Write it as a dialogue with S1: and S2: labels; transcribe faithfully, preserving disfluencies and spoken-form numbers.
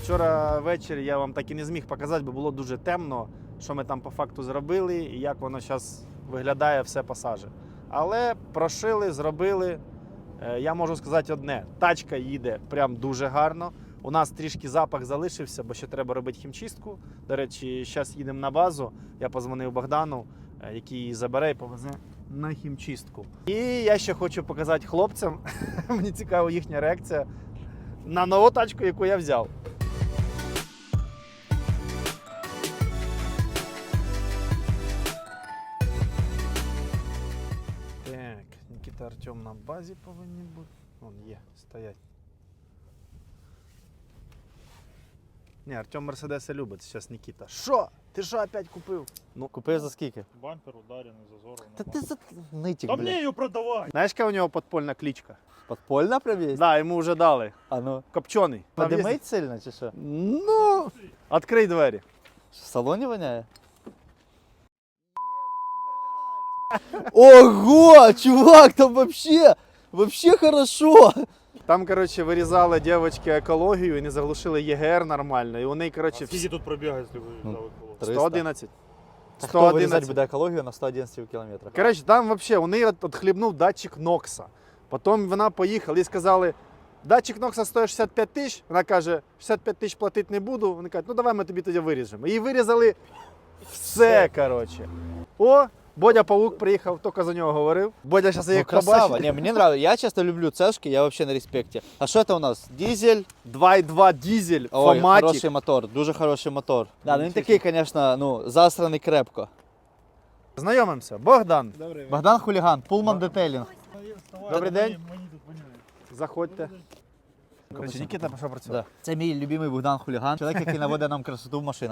S1: Вчора ввечері я вам так і не зміг показати, бо було дуже темно, що ми там по факту зробили і як воно зараз виглядає все по сажі. Але прошили, зробили. Я можу сказати одне, тачка їде прям дуже гарно. У нас трішки запах залишився, бо ще треба робити хімчистку. До речі, зараз їдемо на базу. Я позвонив Богдану, який її забере і повезе на хімчистку. І я ще хочу показати хлопцям, мені цікава їхня реакція на нову тачку, яку я взяв. Так, Нікіта, Артем на базі повинні бути. Вон є, стоять. Ні, Артем Мерседеси любить, зараз Нікіта. Що? Ти що опять купив?
S2: Ну, купив за скільки?
S3: Бампер ударений, зазорований.
S2: Та ти за нитик,
S3: Та мені
S2: блядь.
S3: її продавай!
S1: Знаєш, яка у нього подпольна кличка?
S2: Подпольна прям є?
S1: Да, йому вже дали.
S2: А ну,
S1: Копчений. Там є-
S2: подимить сильно чи що?
S1: Ну, відкрий двері.
S2: В салоні воняє? Ого, чувак, там вообще, вообще хорошо.
S1: Там, коротше, вирізали дівчатки екологію і не заглушили ЄГР нормально. І вони, коротше,
S3: А скільки тут пробігає, якщо ви
S2: Ну,
S3: взяли коло?
S2: триста.
S1: сто одинадцять.
S2: Та хто вирізати
S1: сто одинадцять.
S2: буде екологію на сто одинадцять кілометрах?
S1: Коротше, там взагалі вони от- отхлібнув датчик Нокса. Потім вона поїхала і сказали, датчик Нокса стоїть шістдесят п'ять тисяч. Вона каже, шістдесят п'ять тисяч платити не буду. Вони кажуть, ну давай ми тобі тоді виріжемо. І вирізали все, коротше. О, Бодя Павук приїхав, тільки за нього говорив. Бодя зараз
S2: Ну,
S1: як
S2: красава.
S1: побачить.
S2: Не, мне нравится. Я часто люблю цешки, я вообще на респекте. А что это у нас? Дизель.
S1: два і два дизель,
S2: Ой,
S1: Фоматік.
S2: хороший мотор, дуже хороший мотор. Да, ну він
S1: Нічого
S2: такий, конечно, ну, засраний крепко.
S1: Знайомимося. Богдан,
S2: Богдан Хуліган, Pullman Detailing.
S1: Добрий день.
S3: Мені тут воняє.
S1: заходьте. Коротше, Нікіта пішов працювати.
S2: Да. Це мій любимий Богдан Хуліган, чоловік, який наводить нам красоту в машинах.